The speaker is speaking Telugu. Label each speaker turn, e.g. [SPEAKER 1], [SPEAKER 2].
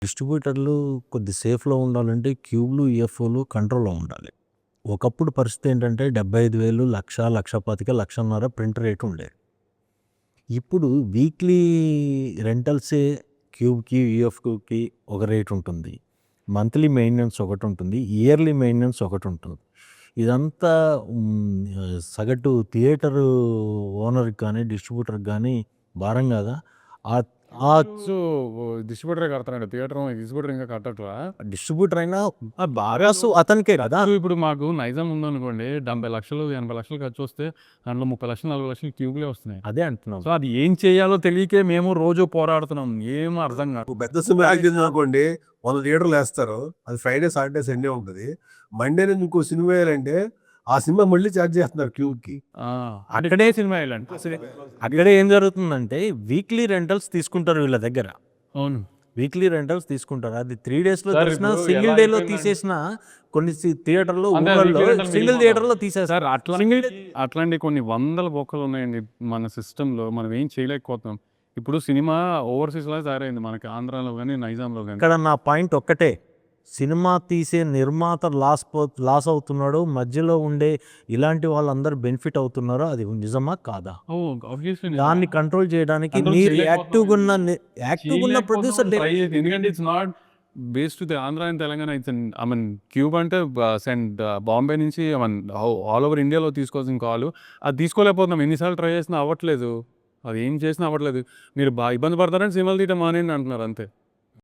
[SPEAKER 1] డిస్ట్రిబ్యూటర్లు కొద్ది సేఫ్‌లో ఉండాలంటే క్యూబ్‌లు, ఈఎఫ్ఓలు కంట్రోల్‌లో ఉండాలి. ఒకప్పుడు పరిస్థితి ఏంటంటే 75,000, 1,00,000, 1,25,000, 1,50,000 ప్రింట్ రేట్ ఉండేది. ఇప్పుడు వీక్లీ రెంటల్సే క్యూబ్‌కి, ఈఎఫ్‌కి ఒక రేట్ ఉంటుంది. మంత్లీ మెయింటెనెన్స్ ఒకటుంటుంది. ఇయర్లీ మెయింటెనెన్స్ ఒకటుంటుంది. ఇదంతా సగటు థియేటరు ఓనర్‌కి కానీ, డిస్ట్రిబ్యూటర్‌కి కానీ భారం కాదా? ఆహ్, ఆ
[SPEAKER 2] సో, డిస్ట్రిబ్యూటరే కడతారండి. డిస్ట్రిబ్యూటర్ ఇంకా కట్టట్లా.
[SPEAKER 1] డిస్ట్రిబ్యూటర్ అయినా బాగా అతనికే కదా!
[SPEAKER 2] ఇప్పుడు మాకు నైజాం ఉందనుకోండి, 70,00,000, 80,00,000 ఖర్చొస్తే దాంట్లో 30,00,000, 40,00,000 ట్యూబ్‌లే వస్తున్నాయి.
[SPEAKER 1] అదే అంటున్నాం.
[SPEAKER 2] సో, అది ఏం చేయాలో తెలియకే మేము రోజు పోరాడుతున్నాం. ఏం అర్థం కాదు.
[SPEAKER 3] పెద్ద సినిమా యాక్ట్ చేసిందనుకోండి 100 థియేటర్లు వేస్తారు. అది ఫ్రైడే, సాటర్డే, సండే ఉంటుంది. మండే నుంచి ఇంకో సినిమా వేయాలంటే ఆ సినిమా మళ్ళీ ఛార్జ్ చేస్తున్నారు క్యూబ్‌కి.
[SPEAKER 2] అక్కడే సినిమా వేయాలండి.
[SPEAKER 1] అక్కడ ఏం జరుగుతుందంటే వీక్లీ రెంటల్స్ తీసుకుంటారు వీళ్ళ దగ్గర.
[SPEAKER 2] అవును.
[SPEAKER 1] వీక్లీ రెంటల్స్ తీసుకుంటారు. అది 3 డేస్‌లో
[SPEAKER 2] సార్
[SPEAKER 1] తీసినా,
[SPEAKER 2] ఇప్పుడు
[SPEAKER 1] సింగిల్
[SPEAKER 2] ఎలా
[SPEAKER 1] డేలో
[SPEAKER 2] అయిపోయిందంటే
[SPEAKER 1] తీసేసిన కొన్ని థియేటర్‌లో,
[SPEAKER 2] అంటే
[SPEAKER 1] ఊర్లలో
[SPEAKER 2] వీక్లీ రెంటల్
[SPEAKER 1] సింగిల్
[SPEAKER 2] మినిమమ్
[SPEAKER 1] థియేటర్‌లో తీసేస్తారు.
[SPEAKER 2] సార్ అట్లాంటి కొన్ని వందల బొక్కలు ఉన్నాయండి మన సిస్టంలో. మనం ఏం చేయలేకపోతున్నాం. ఇప్పుడు సినిమా ఓవర్‌సీస్‌లా తయారైంది మనకి ఆంధ్రాలో గాని, నైజాంలో గాని.
[SPEAKER 1] ఇక్కడ నా పాయింట్ ఒక్కటే. సినిమా తీసే నిర్మాత లాస్ అవుతున్నాడు. మధ్యలో ఉండే ఇలాంటి వాళ్ళందరూ బెనిఫిట్ అవుతున్నారో అది నిజమా? కాదా?
[SPEAKER 2] ఆబ్వియస్లీ
[SPEAKER 1] దాన్ని కంట్రోల్ చేయడానికి
[SPEAKER 2] కంట్రోల్
[SPEAKER 1] మీరు
[SPEAKER 2] చేయలేకపోతున్నాం.
[SPEAKER 1] యాక్టివ్‌గున్న ప్రొడ్యూసర్
[SPEAKER 2] ఎందుకంటే it's not based to the Andhra and Telangana. It's I mean cube అంటే బాంబే నుంచి ఆల్ ఓవర్ ఇండియాలో తీసుకోవాల్సిన కాల్. అది తీసుకోలేకపోతున్నాం. ఎన్నిసార్లు ట్రై చేసినా అవ్వట్లేదు. అది ఏం చేసినా అవ్వట్లేదు. మీరు ఇబ్బంది పడతారని సినిమాలు తీయటం మానేయండి అంటున్నారు అంతే.